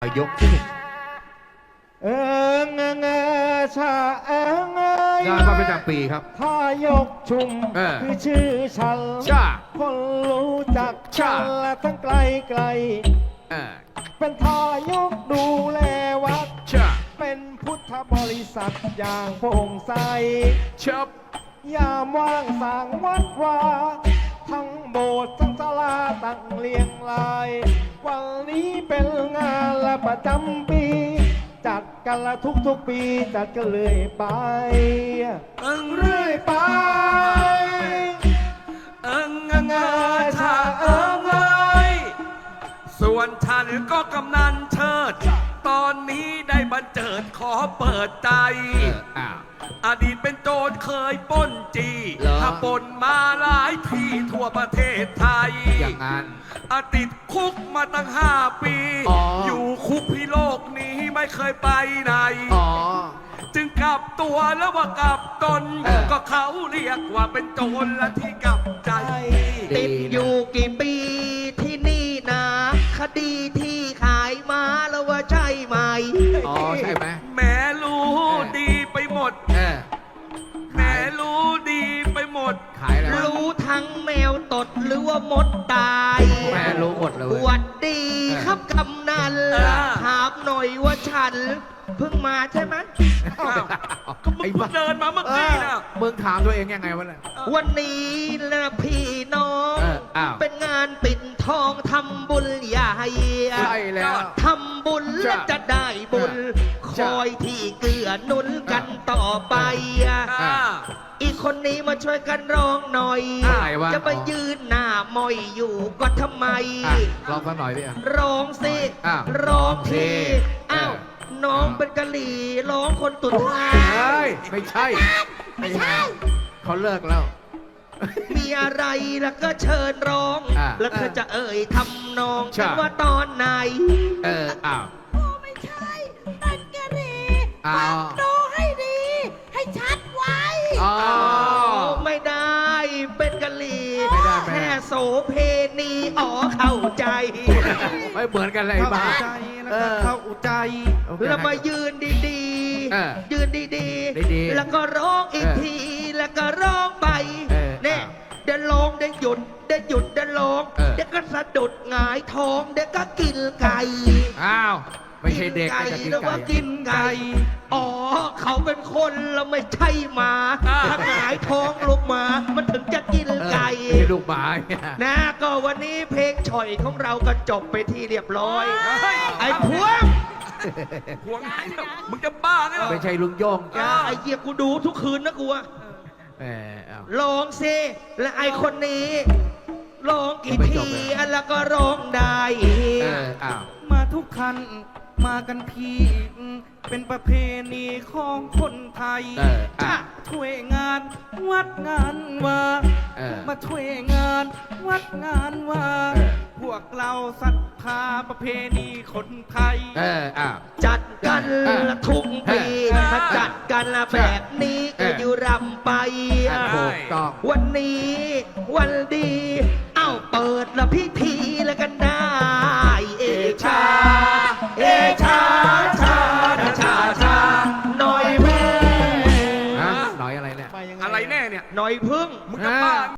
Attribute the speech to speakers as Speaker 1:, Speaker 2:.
Speaker 1: ยกที่
Speaker 2: เอิงเอิงเอิงชาเอิงเอิง
Speaker 1: งานพระประจำปีครับ
Speaker 2: ถ้ายกชุมคือชื่อฉัน
Speaker 1: ชา
Speaker 2: คนรู้จักฉันและทั้งไกลไกลเป็นทายกดูแลวัด
Speaker 1: ชา
Speaker 2: เป็นพุทธบริษัทอย่างโปร่งใส
Speaker 1: ชับ
Speaker 2: ยามว่างสร้างวัดวาทั้งโบสถ์ทั้งศาลาตั้งเรียงราย วันนี้เป็นงานและประจำปี จัดกันละทุกปีจัดกันเลยไปเรื่อยไป
Speaker 3: ชาเอิงเอ้ยส่วนฉันก็กำนันเชิด ตอนนี้ได้บันเจิดขอเปิดใจ อดีตเป็นโจรเคยปล้นจีถ้าปล้นมาหลายที่ทั่วประเทศไทย
Speaker 1: อย่างนั้น
Speaker 3: ติดคุกมาตั้ง5 ปี อยู่คุกพี่โลกนี้ไม่เคยไปไหน จึงกลับตัวแล้วว่ากลับตน ก็เขาเรียกว่าเป็นโจรและที่กลับใจ
Speaker 4: ติดอยู่กี่ปีที่นี่นะคดีที่ขายมาแล้วว่าใช่ไหม
Speaker 1: ใช่ไหม
Speaker 3: แม่รู้ดีไปหมดแม่รู้ดีไปหมด
Speaker 1: ขายแล้ว
Speaker 4: รู้ทั้งแมวตดหรือว่ามดตาย
Speaker 1: แม่รู้หมดเลย
Speaker 4: หวัดดีครับกำนันถามหน่อยว่าฉันเพิ่งมาใช่ไหม
Speaker 3: ก็มึงเดินมาเมื่อกี้นะ
Speaker 1: มึงถามตัวเองยังไงวะเนี่ย
Speaker 4: วันนี้นะพี่น้องเป็นงานปิดทองทำบุญใหญ่
Speaker 1: ใช่แล้ว
Speaker 4: ทำบุญและจะได้บุญคอยที่เกื้อหนุนกันต่อไปอีกคนนี้มาช่วยกันร้องหน่อยจะมายืนหน้ามอยอยู่ก็ทำไม
Speaker 1: ร้องสักหน่อยดิ
Speaker 4: ร้องสิร้องทีอ้าวน้องเป็นกะหรี่ร้องคนตุ่นท้าย
Speaker 1: ไม่ใช่เขาเลิกแล้ว
Speaker 4: มีอะไรแล้วก็เชิญร้องแล้วเธอจะเอ่ยทำนองกันว่าตอนไหน
Speaker 5: ไม่ใช่เป็นกะหรี่ฟังดูให้ดีให้ชัดไว้
Speaker 4: ไม่ได้เป็นกะหรี่แค่โสเพณีเข้าใจ
Speaker 1: ไม่เหมือนกันเลยบ้า
Speaker 4: เข้าใจแล้วมายืนดีๆยืนดีๆแล้วก็ร้องอีกทีแล้วก็ร้องไปเนี่ยเดี๋ยวร้องเดี๋ยวหยุดเดี๋ยวหยุดเดี๋ยวร้องเดี๋ยวก็สะดุดหงายท้องเดี๋ยวก็กินไก่
Speaker 1: ไม่ใช่เด็กจะกินไก่
Speaker 4: กินไก่เขาเป็นคนเราไม่ใช่หมาถ้าหงายท้องลงมามันถึงจะกินไก่
Speaker 1: ลูกหมา
Speaker 4: นะก็วันนี้เพลงฉ่อยของเราก็จบไปที่เรียบร้อยไอ้พวง
Speaker 3: มึงจะบ้าไง
Speaker 1: ไม่ใช่ลุงโย่ง
Speaker 4: ไอ้เหี้ยกูดูทุกคืนนะกูลองสิและไอ้คนนี้ร้องกี่ทีแล้วก็ร้องได้
Speaker 2: มาทุกคันมากันพี่เป็นประเพณีของคนไทยช่วยงานวัดงานว่ามาช่วยงานวัดงานว่าพวกเราศรัทธาประเพณีคนไทย
Speaker 4: จัดกันทุกปีถ้าจัดกันแบบนี้ก็อยู่รำไปวันนี้วันดี